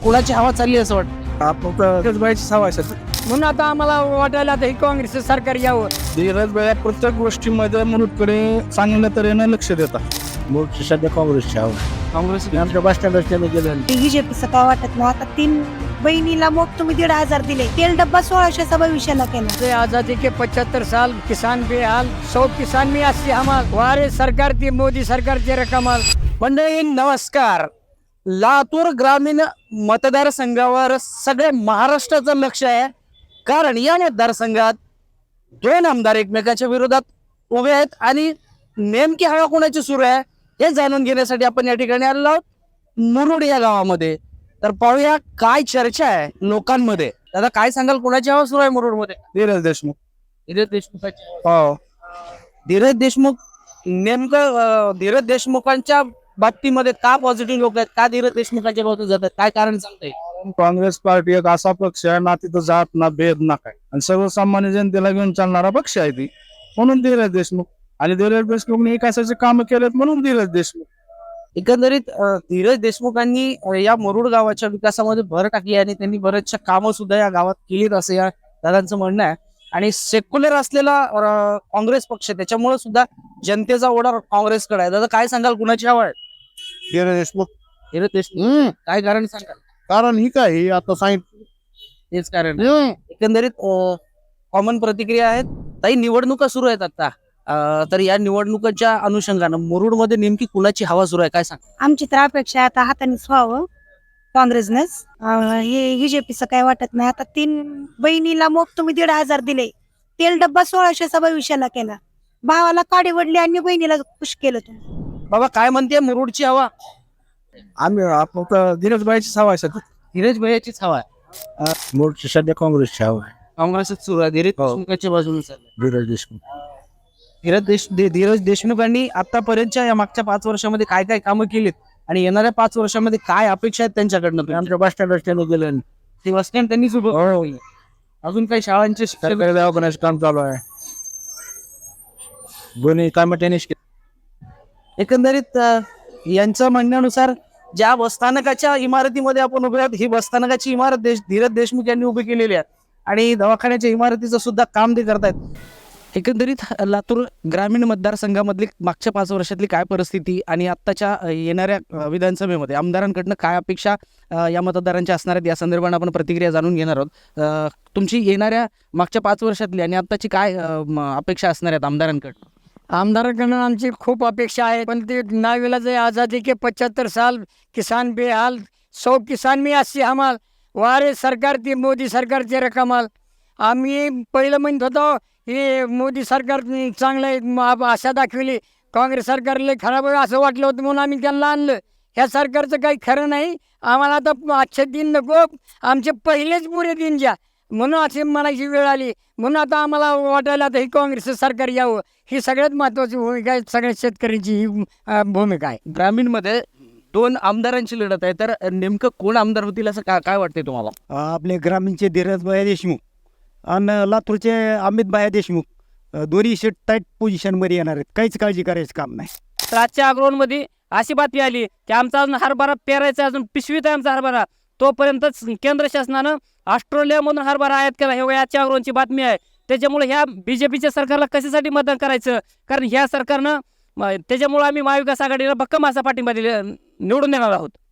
कुणाची हवा चालली असं वाटतं? आपण सवय म्हणून आता आम्हाला वाटायला आता हे काँग्रेसचं सरकार यावं. धीरज भाई प्रत्येक गोष्टीमध्ये मुलुडकडे चांगल्या तऱ्हेने लक्ष देतात. मूळ सध्या काँग्रेसची हवा. काँग्रेस आमच्या बस स्टँडवर गेलं बीजेपीचं काय वाटत नाही. आता 3 बहिणीला मग तुम्ही 1,500 दिले, तेल डब्बा 1600चा भविष्याला केला. ते आजादी के 75 साल किसान बेहाल, 100 किसान में 80 हमाल. वारे सरकार ती मोदी सरकारचे रकमाल. मंडळी नमस्कार. लातूर ग्रामीण मतदारसंघावर सगळे महाराष्ट्राचं लक्ष आहे, कारण या मतदारसंघात 2 आमदार एकमेकाच्या विरोधात उभे आहेत आणि नेमकी हवा कोणाची सुरू आहे हे जाणून घेण्यासाठी आपण या ठिकाणी आलेलो आहोत, मुरुड या गावामध्ये. तर पाहूया काय चर्चा आहे लोकांमध्ये. दादा काय सांगाल, कोणाची हवा सुरू आहे मुरुडमध्ये? धीरज देशमुख. धीरज देशमुखाची. हो, धीरज देशमुख. नेमकं धीरज देशमुखांच्या बाबतीमध्ये का पॉझिटिव्ह लोक आहेत, का धीरज देशमुखांच्या बाबतीत जातात, काय कारण सांगता येईल? काँग्रेस पार्टी एक असा पक्ष आहे ना, तिथं जात ना भेद ना काय, आणि सर्वसामान्य जनतेला घेऊन चालणारा पक्ष आहे ती, म्हणून धीरज देशमुख. आणि धीरज देशमुखने विकासाचे काम केलेत म्हणून धीरज देशमुख. एकंदरीत धीरज देशमुखांनी या मुरुड गावाच्या विकासामध्ये भर टाकली आणि त्यांनी बरेचशा कामं सुद्धा या गावात केलीत असं या दादांचं म्हणणं आहे. आणि सेक्युलर असलेला काँग्रेस पक्ष, त्याच्यामुळे सुद्धा जनतेचा ओढा काँग्रेसकडे आहे. दादा काय सांगाल, कुणाची हवा आहे? धीरज देशमुख. धीरज देशमुख. काय कारण सांगाल? कारण ही काय, ही आता सांगितलं तेच कारण. एकंदरीत कॉमन प्रतिक्रिया आहेत. ताई, निवडणुका सुरू आहेत आता, तर या निवडणुकांच्या अनुषंगानं मुरुडमध्ये नेमकी कुणाची हवा सुरू आहे, काय सांग? आमची तर अपेक्षा आहे आता हातानेच व्हावं काँग्रेसनेच. हे बीजेपीचं काय वाटत नाही. आता 3 बहिणीला मग तुम्ही 1,500 दिले, तेल डब्बा 1600चा भविष्याला केला. भावाला काडी वडली आणि बहिणीला खुश केलं तुम्ही. बाबा काय म्हणते मुरुडची हवा? आम्ही आपण धीरज भाईची सवय धीरज भैयाचीच हवा आहे. मूळ सध्या काँग्रेसची हवा आहे. काँग्रेसच सुरू आहे. धीरज देशमुखांच्या बाजूने चाललंय. धीरज देशमुख. धीरज देशमुखांनी आतापर्यंतच्या या मागच्या 5 वर्षामध्ये काय काय कामं केलीत आणि येणाऱ्या 5 वर्षामध्ये काय अपेक्षा आहेत त्यांच्याकडनं? आमच्या बस स्टँडवर गेलं. ते बस स्टँड त्यांनीच उभं. अजून काही शाळांचे सरकारी दवाखान्याचं काम चालू आहे. दोन्ही काम त्यांनीच केली. एकंदरीत यांच्या म्हणण्यानुसार ज्या बसस्थानकाच्या इमारतीमध्ये आपण उभे आहोत, ही बसस्थानकाची इमारत धीरज देशमुख यांनी उभी केलेली आहे आणि दवाखान्याच्या इमारतीचं सुद्धा काम ते करतायत. एकंदरीत लातूर ग्रामीण मतदारसंघामधली मागच्या 5 वर्षातली काय परिस्थिती आणि आत्ताच्या येणाऱ्या विधानसभेमध्ये आमदारांकडनं काय अपेक्षा या मतदारांच्या असणार आहेत, या संदर्भात आपण प्रतिक्रिया जाणून घेणार आहोत. तुमची येणाऱ्या मागच्या 5 वर्षातली आणि आत्ताची काय अपेक्षा असणार आहेत आमदारांकडनं? आमदारांकडून आमची खूप अपेक्षा आहे, पण ते नावेला जे आजादी के 75 साल किसान बेहाल, 100 किसान में 80 हमाल. वारे सरकार ती मोदी सरकारचे रकमाल. आम्ही पहिलं म्हणत होतो हे मोदी सरकार चांगलं आहे, आशा दाखवली. काँग्रेस सरकारला खराब आहे असं वाटलं होतं, म्हणून आम्ही त्यांना आणलं. ह्या सरकारचं काही खरं नाही. आम्हाला आता आजचे दिन नको, आमचे पहिलेच पुरे दिन द्या, म्हणून असे म्हणायची वेळ आली. म्हणून आता आम्हाला वाटायला आता हे काँग्रेसचं सरकार यावं. ही सगळ्यात महत्त्वाची भूमिका आहे, सगळ्या शेतकऱ्यांची ही भूमिका आहे. ग्रामीणमध्ये 2 आमदारांची लढत आहे, तर नेमकं कोण आमदार होतील असं काय वाटतंय तुम्हाला? आपले ग्रामीणचे धीरज भाई देशमुख आणि लातूरचे अमित भाई देशमुख दोन्ही शेट टाईट पोझिशनमध्ये येणार आहेत. काहीच काळजी करायचं काम नाही. तर आजच्या अग्रोनमध्ये अशी बातमी आली की आमचा अजून हरभरा पेरायचा, अजून पिशवीत आहे आमचा हरभरा. तोपर्यंतच केंद्र शासनानं ऑस्ट्रेलियामधून हरभरा आयात केला. हे आजच्या अग्रोनची बातमी आहे. त्याच्यामुळे ह्या बीजेपीच्या सरकारला कशासाठी मतदान करायचं? कारण ह्या सरकारनं त्याच्यामुळे आम्ही महाविकास आघाडीला भक्कम असा पाठिंबा निवडून देणार आहोत.